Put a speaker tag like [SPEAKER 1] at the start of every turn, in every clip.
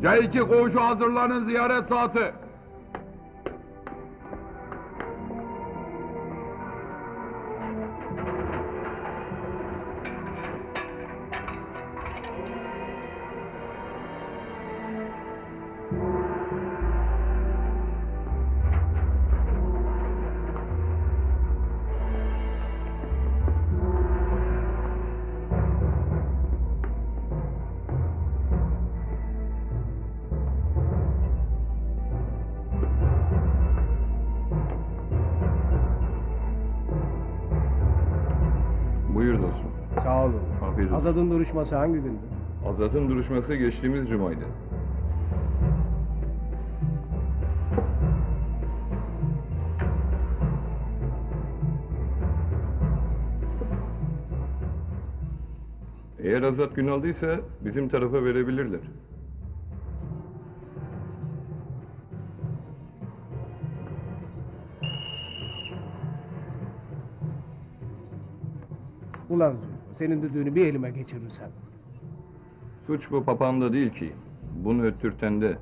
[SPEAKER 1] C2 koğuşu hazırlanın, ziyaret saati.
[SPEAKER 2] Buyur dostum.
[SPEAKER 3] Sağ olun.
[SPEAKER 2] Afiyet olsun.
[SPEAKER 3] Azad'ın duruşması hangi gündü?
[SPEAKER 2] Azat'ın duruşması geçtiğimiz cumaydı. Eğer Azat gün aldıysa bizim tarafa verebilirler.
[SPEAKER 3] Ulan Zülfü, senin düdüğünü bir elime geçirirsem.
[SPEAKER 2] Suç bu papağanda değil ki. Bunu öttürten de.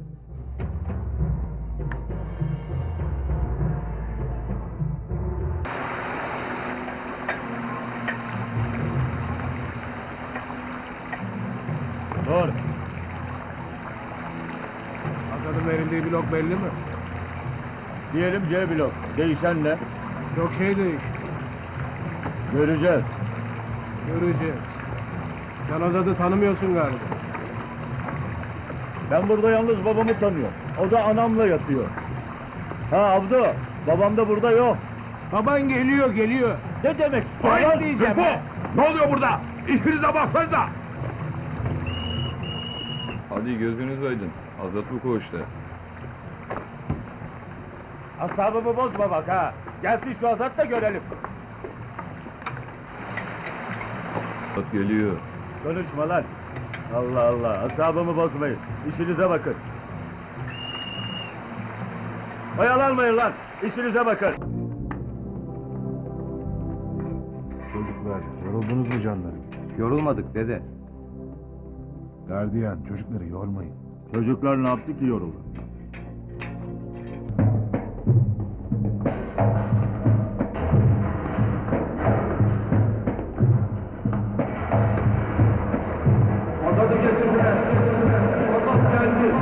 [SPEAKER 4] Dur.
[SPEAKER 3] Azad'ın verildiği blok belli mi?
[SPEAKER 4] Diyelim C blok. Değişen ne?
[SPEAKER 3] Çok şey değişti.
[SPEAKER 4] Göreceğiz.
[SPEAKER 3] Göreceğiz. Sen Azad'ı tanımıyorsun galiba.
[SPEAKER 4] Ben burada yalnız babamı tanıyorum. O da anamla yatıyor. Ha Abdu, babam da burada yok.
[SPEAKER 3] Baban geliyor.
[SPEAKER 4] Ne demek?
[SPEAKER 3] Hayır diyeceğim.
[SPEAKER 1] Zülfü! Ne oluyor burada? İşinize baksanıza!
[SPEAKER 2] Hadi gözünüz aydın. Azat bu koğuşta.
[SPEAKER 4] Asabımı bozma bak ha. Gelsin şu Azat da görelim.
[SPEAKER 2] Azat geliyor.
[SPEAKER 4] Konuşma lan. Allah Allah, asabımı bozmayın. İşinize bakın. Oyalanmayın lan. İşinize bakın.
[SPEAKER 5] Çocuklar, yoruldunuz mu canlarım?
[SPEAKER 6] Yorulmadık dede.
[SPEAKER 5] Gardiyan, çocukları yormayın.
[SPEAKER 4] Çocuklar ne yaptı ki yoruldu?
[SPEAKER 1] Azat'ı getirdiler. Azat geldi.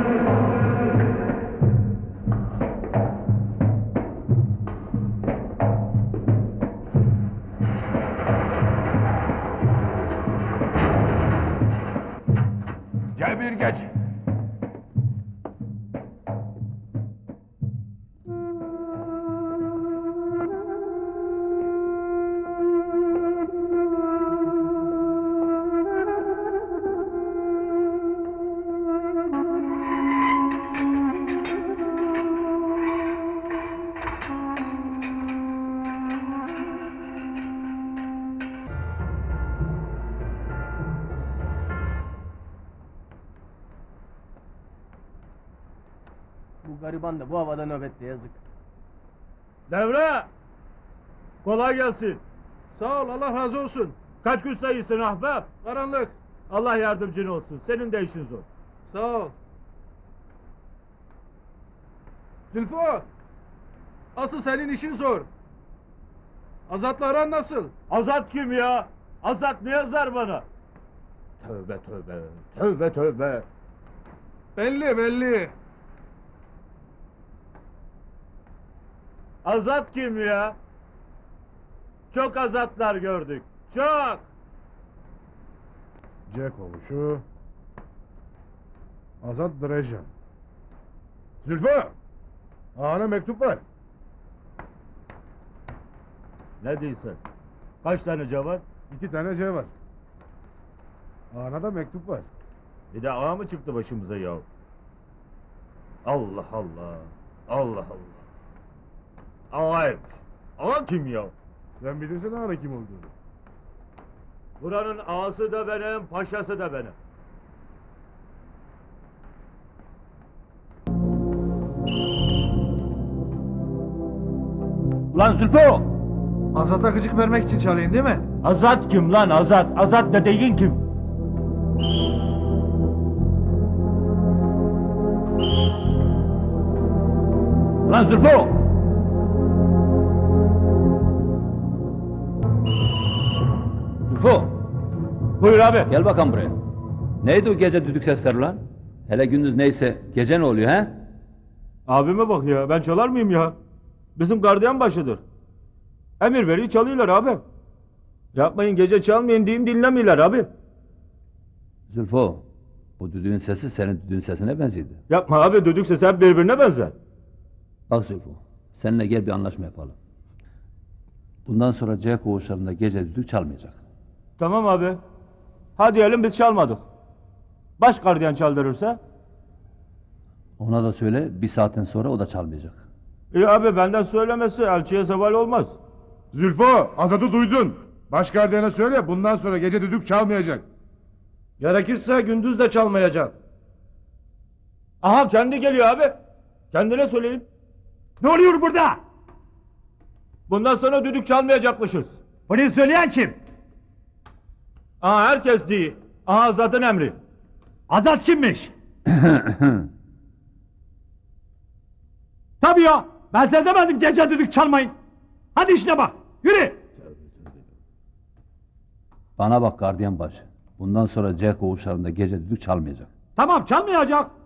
[SPEAKER 1] C1 geç.
[SPEAKER 3] Bu gariban da bu havada nöbette yazık.
[SPEAKER 4] Devre! Kolay gelsin.
[SPEAKER 3] Sağ ol, Allah razı olsun.
[SPEAKER 4] Kaç gün sayısın ahbap?
[SPEAKER 3] Karanlık.
[SPEAKER 4] Allah yardımcın olsun. Senin de işin zor.
[SPEAKER 3] Sağ ol. Zülfü, asıl senin işin zor. Azat'la aran nasıl?
[SPEAKER 4] Azat kim ya? Azat ne yazar bana? Tövbe tövbe. Tövbe tövbe.
[SPEAKER 3] Belli.
[SPEAKER 4] Azat kim ya? Çok azatlar gördük. Çok.
[SPEAKER 5] C kovuşu. Azat Drejan. Zülfü! Ağana mektup var.
[SPEAKER 4] Ne diyorsun? Kaç tane C var?
[SPEAKER 5] 2 tane C var. Ağana da mektup var.
[SPEAKER 4] Bir de ağa mı çıktı başımıza ya? Allah Allah. Allah Allah. Ağaymış. Ağa kim ya?
[SPEAKER 5] Sen bilirsin ağana kim olduğunu.
[SPEAKER 4] Buranın ağası da benim, paşası da benim.
[SPEAKER 7] Ulan Zülfü!
[SPEAKER 6] Azat'a gıcık vermek için çalayım değil mi?
[SPEAKER 4] Azat kim lan Azat? Azat dediğin kim?
[SPEAKER 7] Lan Zülfü! Zülfü!
[SPEAKER 4] Buyur abi.
[SPEAKER 7] Gel bakalım buraya. Neydi o gece düdük sesleri lan? Hele gündüz neyse gece ne oluyor he?
[SPEAKER 4] Abime bak ya, ben çalar mıyım ya? Bizim gardiyan başıdır. Emir veriyor, çalıyorlar abi. Yapmayın, gece çalmayın diyeyim, dinlemiyorlar abi.
[SPEAKER 7] Zülfü, bu düdüğün sesi senin düdüğün sesine benzedi.
[SPEAKER 4] Yapma abi, düdük sesi hep birbirine benzer.
[SPEAKER 7] Bak Zülfü, seninle gel bir anlaşma yapalım. Bundan sonra C koğuşlarında gece düdük çalmayacak.
[SPEAKER 4] Tamam abi. Ha diyelim biz çalmadık. Baş gardiyan çaldırırsa?
[SPEAKER 7] Ona da söyle, bir saatten sonra o da çalmayacak.
[SPEAKER 4] İyi abi, benden söylemesi elçiye zeval olmaz.
[SPEAKER 1] Zülfo, Azat'ı duydun. Baş gardiyana söyle bundan sonra gece düdük çalmayacak.
[SPEAKER 4] Gerekirse gündüz de çalmayacak. Aha, kendi geliyor abi. Kendine söyleyin.
[SPEAKER 8] Ne oluyor burada?
[SPEAKER 4] Bundan sonra düdük çalmayacakmışız.
[SPEAKER 8] Bunu söyleyen kim?
[SPEAKER 4] Aha, herkes değil. Aha, zaten emri.
[SPEAKER 8] Azat kimmiş? Tabii ya. Ben size demedim gece düdük çalmayın. Hadi işine bak. Yürü.
[SPEAKER 7] Bana bak gardiyan başı. Bundan sonra C koğuşlarında gece düdük çalmayacak.
[SPEAKER 8] Tamam çalmayacak.